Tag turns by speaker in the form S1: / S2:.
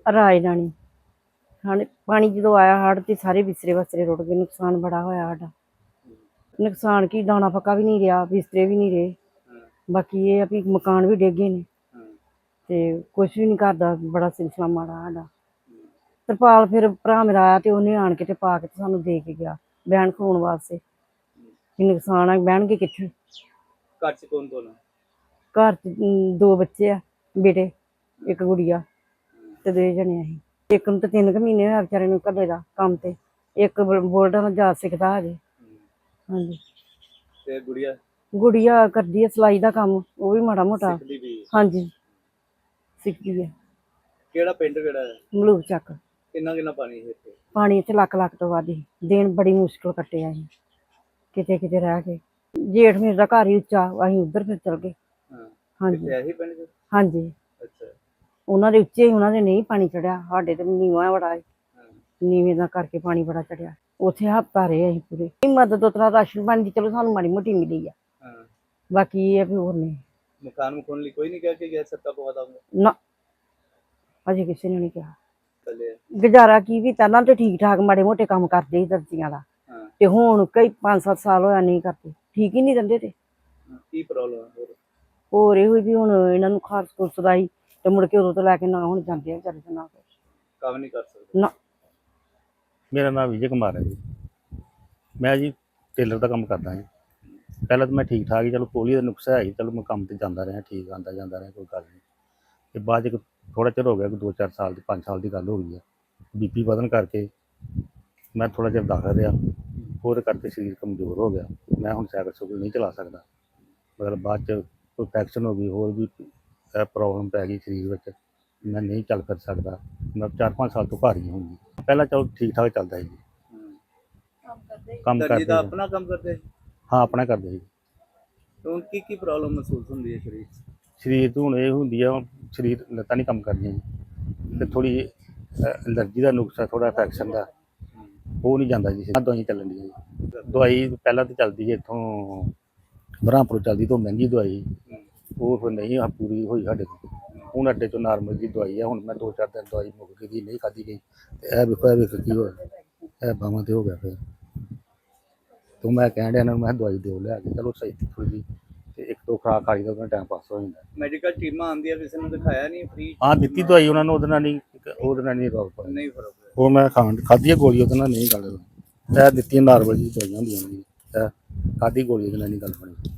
S1: ਰਾਜਧਾਨੀ ਹਾਂ ਪਾਣੀ ਜਦੋਂ ਆਇਆ ਹੜ੍ਹ ਤੇ ਸਾਰੇ ਬਿਸਤਰੇ ਬਸਤਰੇ ਰੁੜ ਗਏ। ਨੁਕਸਾਨ ਬੜਾ ਹੋਇਆ ਸਾਡਾ। ਨੁਕਸਾਨ ਕੀ ਦਾਣਾ ਪੱਕਾ ਵੀ ਨਹੀਂ ਰਿਹਾ, ਬਿਸਤਰੇ ਵੀ ਨਹੀਂ ਰਹੇ। ਬਾਕੀ ਇਹ ਆ ਵੀ ਮਕਾਨ ਵੀ ਡਿੱਗ ਗਏ ਨੇ ਤੇ ਕੁਛ ਵੀ ਨਹੀਂ ਕਰਦਾ। ਬੜਾ ਸਿਲਸਿਲਾ ਮਾੜਾ ਸਾਡਾ। ਤਰਪਾਲ ਫਿਰ ਭਰਾ ਮੇਰਾ ਆਇਆ ਤੇ ਉਹਨੇ ਆਣ ਕੇ ਤੇ ਪਾ ਕੇ ਤੇ ਸਾਨੂੰ ਦੇ ਕੇ ਗਿਆ ਬਹਿਣ ਖਲੋਣ ਵਾਸਤੇ। ਵੀ ਨੁਕਸਾਨ ਆ, ਬਹਿਣਗੇ ਕਿੱਥੇ।
S2: ਘਰ 'ਚ ਕੌਣ ਕੌਣ ਆ?
S1: ਘਰ 'ਚ 2 ਬੱਚੇ ਆ, ਬੇਟੇ, ਇੱਕ ਗੁੜੀਆ ਤੇ 2 ਜਣੇ ਅਸੀਂ। ਇੱਕ ਨੂੰ ਤਾਂ 3 ਕੁ ਮਹੀਨੇ ਹੋਇਆ ਵਿਚਾਰੇ ਨੂੰ ਘੱਲੇ ਦਾ ਕੰਮ ਤੇ। ਇੱਕ ਬੁਲਟ ਨਾਲ ਜਾ ਸਿੱਖਦਾ ਹਜੇ। ਹਾਂਜੀ।
S2: ਤੇ
S1: ਗੁੜੀਆ ਕਰਦੀ ਹੈ ਸਿਲਾਈ ਦਾ ਕੰਮ, ਉਹ ਵੀ ਮਾੜਾ ਮੋਟਾ।
S2: ਸਿੱਖਦੀ ਵੀ?
S1: ਹਾਂਜੀ ਸਿੱਖਦੀ ਹੈ।
S2: ਕਿਹੜਾ ਪਿੰਡ ਕਿਹੜਾ ਹੈ?
S1: ਮਲੂਕ ਚੱਕ।
S2: ਕਿੰਨਾ ਪਾਣੀ ਹੈ ਇੱਥੇ?
S1: ਪਾਣੀ ਇੱਥੇ ਲੱਖ ਤੋਂ ਵੱਧ ਹੀ। ਦਿਨ ਬੜੀ ਮੁਸ਼ਕਿਲ ਕੱਟਿਆ ਅਸੀਂ, ਕਿਤੇ ਕਿਤੇ ਰਹਿ ਕੇ। ਜੇਠ ਮੇਰੇ ਦਾ ਘਰ ਹੀ ਉੱਚਾ, ਅਸੀਂ ਉੱਧਰ ਫਿਰ ਚਲ ਗਏ। ਹਾਂਜੀ
S2: ਇਹੀ ਪਿੰਡ 'ਚ?
S1: ਹਾਂਜੀ।
S2: ਅੱਛਾ।
S1: ਉਹਨਾਂ ਦੇ ਉੱਚੇ, ਉਹਨਾਂ ਦੇ ਨਹੀਂ ਪਾਣੀ ਚੜਿਆ, ਸਾਡੇ ਤੇ ਨੀਵਾਂ ਬੜਾ ਹੈ। ਨੀਵੇਂ ਦਾ ਕਰਕੇ ਪਾਣੀ ਬੜਾ ਚੜਿਆ। ਉੱਥੇ ਹਫ਼ਤਾ ਰਹੇ ਅਸੀਂ ਪੂਰੇ। ਮਦਦ ਉਤਰਾ ਰਾਸ਼ਨ ਪਾਣੀ ਦੀ ਚਲੋ ਸਾਨੂੰ ਮਾੜੀ ਮੋਟੀ ਮਿਲੀ ਆ। ਬਾਕੀ ਇਹ ਆ ਵੀ ਹੋਰ ਨਹੀਂ।
S2: ਮਕਾਨ ਮਕਾਨ ਲਈ ਕੋਈ ਨਹੀਂ ਕਹਿ ਕੇ ਗਿਆ ਸੱਤਾ ਪਵਾ
S1: ਨਾ, ਅਜੇ ਕਿਸੇ ਨੇ ਨਹੀਂ ਕਿਹਾ। ਗੁਜ਼ਾਰਾ ਕੀ ਵੀ ਪਹਿਲਾਂ ਤੇ ਠੀਕ ਠਾਕ ਮਾੜੇ ਮੋਟੇ ਕੰਮ ਕਰਦੇ ਸੀ ਦਰਜੀਆਂ ਦਾ, ਤੇ ਹੁਣ ਕਈ 5-7 ਸਾਲ ਹੋਇਆ ਨਹੀਂ ਕਰਦੇ, ਠੀਕ ਹੀ ਨਹੀਂ ਰਹਿੰਦੇ। ਤੇ
S2: ਕੀ ਪ੍ਰੋਬਲਮ
S1: ਹੋਰ ਇਹੋ ਵੀ ਹੁਣ ਇਹਨਾਂ ਨੂੰ ਖਾਰਸ ਖੁਰਸ ਦਾ ਹੀ ਤੇ ਮੁੜ ਕੇ ਉਦੋਂ ਤੋਂ ਲੈ ਕੇ ਨਾ ਹੁਣ ਜਾਂਦੇ ਆ ਵਿਚਾਰੇ ਤੇ ਨਾ
S2: ਕੰਮ ਨਹੀਂ ਕਰ ਸਕਦੇ
S1: ਨਾ।
S3: ਮੇਰਾ ਨਾਮ ਵਿਜੇ ਕੁਮਾਰ ਹੈ ਜੀ। ਮੈਂ ਜੀ ਟੇਲਰ ਦਾ ਕੰਮ ਕਰਦਾ ਜੀ। ਪਹਿਲਾਂ ਤਾਂ ਮੈਂ ਠੀਕ ਠਾਕ ਹੀ, ਚਲੋ ਪੋਲੀਓ ਦਾ ਨੁਕਸਾ ਹੈ ਜੀ, ਚਲੋ ਮੈਂ ਕੰਮ ਤੇ ਜਾਂਦਾ ਰਿਹਾ, ਠੀਕ ਆਉਂਦਾ ਜਾਂਦਾ ਰਿਹਾ, ਕੋਈ ਗੱਲ ਨਹੀਂ। ਤੇ ਬਾਅਦ 'ਚ ਥੋੜ੍ਹਾ ਚਿਰ ਹੋ ਗਿਆ, 2-4 ਸਾਲ ਦੀ 5 ਸਾਲ ਦੀ ਗੱਲ ਹੋ ਗਈ ਆ। BP ਵਧਣ ਕਰਕੇ ਮੈਂ ਥੋੜ੍ਹਾ ਚਿਰ ਦਾਖਲ ਰਿਹਾ, ਉਹਦੇ ਕਰਕੇ ਸਰੀਰ ਕਮਜ਼ੋਰ ਹੋ ਗਿਆ। ਮੈਂ ਹੁਣ ਸਾਈਕਲ ਸੁਕਲ ਨਹੀਂ ਚਲਾ ਸਕਦਾ। ਮਤਲਬ ਬਾਅਦ 'ਚ ਕੋਈ ਇਨਫੈਕਸ਼ਨ ਹੋ ਗਈ, ਹੋਰ ਵੀ ਪ੍ਰੋਬਲਮ ਪੈ ਗਈ ਸਰੀਰ ਵਿੱਚ, ਮੈਂ ਨਹੀਂ ਚੱਲ ਫਿਰ ਸਕਦਾ। ਮੈਂ 4-5 ਸਾਲ ਤੋਂ ਘਰ ਹੀ ਹਾਂ ਜੀ। ਪਹਿਲਾਂ ਚਲੋ ਠੀਕ ਠਾਕ ਚੱਲਦਾ ਸੀ। ਕੰਮ ਕਰਦੇ
S2: ਆਪਣਾ ਕੰਮ ਕਰਦੇ?
S3: ਹਾਂ ਆਪਣਾ ਕਰਦੇ ਸੀ।
S2: ਹੁਣ ਕੀ ਪ੍ਰੋਬਲਮ ਮਹਿਸੂਸ ਹੁੰਦੀ ਹੈ ਸਰੀਰ 'ਚ?
S3: ਸਰੀਰ ਤੋਂ ਹੁਣ ਇਹ ਹੁੰਦੀ ਆ, ਸਰੀਰ ਲੱਤਾਂ ਨਹੀਂ ਕੰਮ ਕਰਦੀਆਂ ਜੀ, ਤੇ ਥੋੜ੍ਹੀ ਐਲਰਜੀ ਦਾ ਨੁਕਸਾ, ਥੋੜ੍ਹਾ ਇਨਫੈਕਸ਼ਨ ਦਾ, ਉਹ ਨਹੀਂ ਜਾਂਦਾ ਜੀ। ਦਵਾਈਆਂ ਚੱਲਣ ਦੀਆਂ ਜੀ। ਦਵਾਈ ਪਹਿਲਾਂ ਤਾਂ ਚੱਲਦੀ ਹੈ ਇੱਥੋਂ ਬ੍ਰਹਮਪੁਰ ਚੱਲਦੀ, ਤੋਂ ਮਹਿੰਗੀ ਦਵਾਈ, ਉਹ ਫਿਰ ਨਹੀਂ ਪੂਰੀ ਹੋਈ ਸਾਡੇ ਕੋਲ। ਹੁਣ ਅੱਡੇ 'ਚੋਂ ਨਾਰਮਲ ਜੀ ਦਵਾਈ ਆ। ਹੁਣ ਮੈਂ 2-4 ਦਿਨ ਦਵਾਈ ਮੁੱਕ ਗਈ, ਨਹੀਂ ਖਾਧੀ ਗਈ। ਤੇ ਇਹ ਵੇਖੋ ਕੀ ਹੋਇਆ, ਇਹ ਬਾਹਾਂ 'ਤੇ ਹੋ ਗਿਆ ਫਿਰ। ਤੇ ਮੈਂ ਕਹਿਣ ਡਿਆ ਇਹਨਾਂ ਨੂੰ, ਮੈਂ ਦਵਾਈ ਦਿਓ ਲਿਆ ਕੇ, ਚਲੋ ਸਹੀ ਥੋੜ੍ਹੀ ਜਿਹੀ, ਤੇ 1-2 ਖੁਰਾਕ ਖਾਈ ਦਾ, ਉਹਦਾ ਟਾਈਮ ਪਾਸ ਹੋ ਜਾਂਦਾ।
S2: ਮੈਡੀਕਲ ਟੀਮਾਂ ਆਉਂਦੀਆਂ, ਕਿਸੇ ਨੂੰ ਦਿਖਾਇਆ ਨਹੀਂ? ਫ੍ਰੀ
S3: ਹਾਂ ਦਿੱਤੀ ਦਵਾਈ ਉਹਨਾਂ ਨੂੰ, ਉਹਦੇ ਨਾਲ ਨਹੀਂ ਰੋਕ ਪਾਇਆ।
S2: ਨਹੀਂ ਫਰਕ ਪਿਆ?
S3: ਉਹ ਮੈਂ ਖਾਧੀ ਹੈ ਗੋਲੀ, ਉਹਦੇ ਨਾਲ ਨਹੀਂ ਗੱਲ। ਇਹ ਦਿੱਤੀਆਂ ਨਾਰਮਲ ਜੀ ਦਵਾਈਆਂ ਹੁੰਦੀਆਂ ਨੇ, ਇਹ ਖਾਧੀ ਗੋਲੀ, ਉਹਦੇ ਨਾਲ ਨਹੀਂ ਗੱਲ ਬਣੀ।